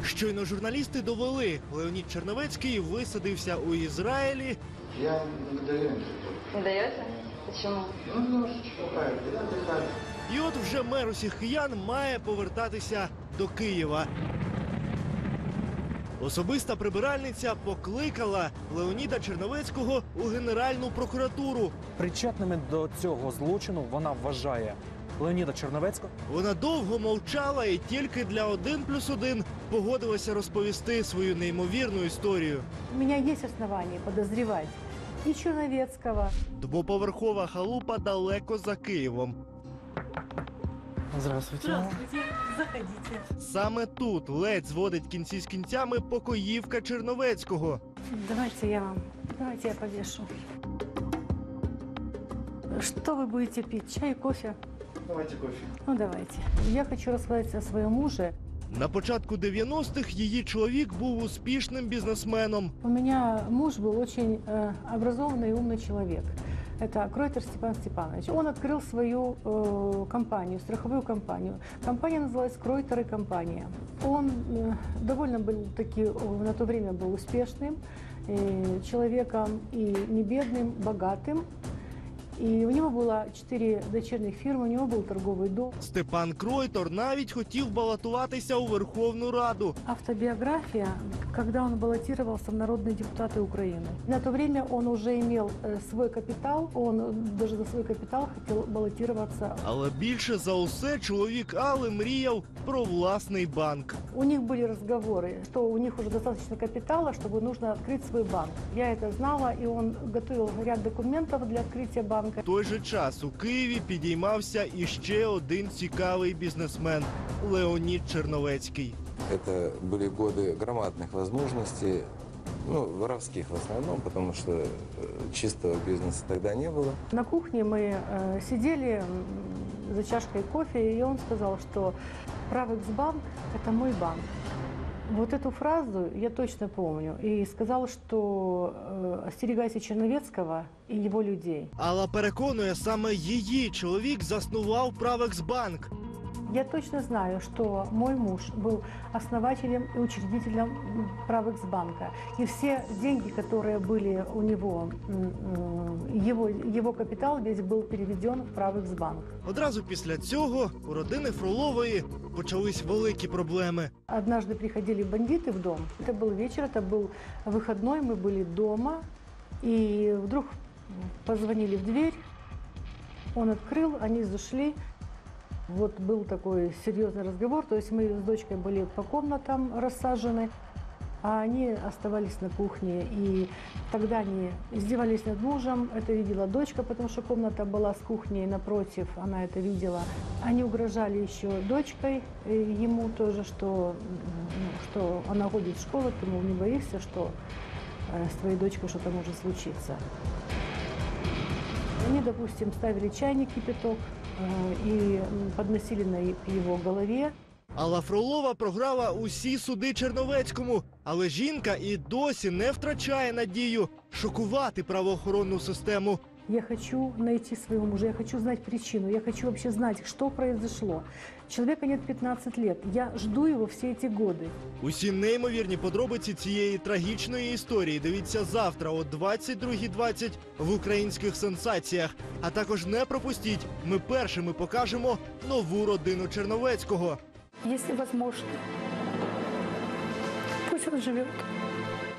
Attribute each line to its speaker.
Speaker 1: Щойно журналісти довели, Леонід Черновецький висадився у Ізраїлі.
Speaker 2: Я не даю.
Speaker 3: Не даете? Почему?
Speaker 2: Ну, немножечко правильно, я отдыхаю.
Speaker 1: І от вже мер усіх киян має повертатися до Києва. Особиста прибиральниця покликала Леоніда Черновецького у Генеральну прокуратуру.
Speaker 4: Причетними до цього злочину вона вважає Леоніда Черновецького.
Speaker 1: Вона довго мовчала і тільки для 1+1 погодилася розповісти свою неймовірну історію.
Speaker 5: У меня есть основания подозревать и Черновецкого.
Speaker 1: Двоповерхова халупа далеко за Києвом.
Speaker 4: Здравствуйте.
Speaker 5: Заходите.
Speaker 1: Саме тут ледь зводить кінці з кінцями покоївка Черновецького.
Speaker 5: Давайте я повешу. Что вы будете пить? Чай, кофе?
Speaker 2: Давайте кофе.
Speaker 5: Ну, давайте. Я хочу рассказать о своем муже.
Speaker 1: На початку 90-х її чоловік був успішним бізнесменом.
Speaker 5: У меня муж был очень образованный и умный человек. Это Кройтер Степан Степанович. Он открыл свою компанию, страховую компанию. Компания называлась Кройтер и компания. Он довольно был на то время был успешным человеком и не бедным, богатым. И у него было 4 дочерних фирмы, у него был торговый дом.
Speaker 1: Степан Кройтор навіть хотів балотуватися у Верховну Раду.
Speaker 5: Автобиография, когда он баллотировался в народные депутаты Украины. На то время он уже имел свой капитал, он даже за свой капитал хотел баллотироваться.
Speaker 1: Але більше за усе чоловік Алли мріяв про власний банк.
Speaker 5: У них были разговоры, что у них уже достаточно капитала, чтобы нужно открыть свой банк. Я это знала, и он готовил ряд документов для открытия банка.
Speaker 1: В той же час у Києві підіймався іще один цікавий бізнесмен – Леонід Черновецький.
Speaker 6: Это были годы громадных возможностей, воровских в основном, потому что чистого бизнеса тогда не было.
Speaker 5: На кухне мы сидели за чашкой кофе, и он сказал, что Правэксбанк – это мой банк. Вот эту фразу я точно помню. И сказал, что остерегайся Черновецкого и его людей.
Speaker 1: Алла переконує, саме її чоловік заснував Правэксбанк.
Speaker 5: Я точно знаю, что мой муж был основателем и учредителем Правэксбанка. И все деньги, которые были у него, его капитал весь был переведен в Правэксбанк.
Speaker 1: Одразу після цього у родини Фролової почались великі проблеми.
Speaker 5: Однажды приходили бандиты в дом. Это был вечер, это был выходной, мы были дома. И вдруг позвонили в дверь, он открыл, они зашли. Вот был такой серьезный разговор, то есть мы с дочкой были по комнатам рассажены, а они оставались на кухне. И тогда они издевались над мужем, это видела дочка, потому что комната была с кухней напротив, она это видела. Они угрожали еще дочкой, ему тоже, что она ходит в школу, ты, мол, не боишься, что с твоей дочкой что-то может случиться. Они, допустим, ставили чайник, кипяток, и подносили на его голове.
Speaker 1: Алла Фролова програла усі суди Черновецькому, але жінка і досі не втрачає надію шокувати правоохоронну систему.
Speaker 5: Я хочу найти своего мужа, я хочу знать причину, я хочу вообще знать, что произошло. Человека нет 15 лет, я жду его все эти годы.
Speaker 1: Усі неймовірні подробиці цієї трагічної історії дивіться завтра о 22:20 в українських сенсаціях. А також не пропустіть, ми першими покажемо нову родину Черновецького.
Speaker 5: Если возможно, пусть он живет.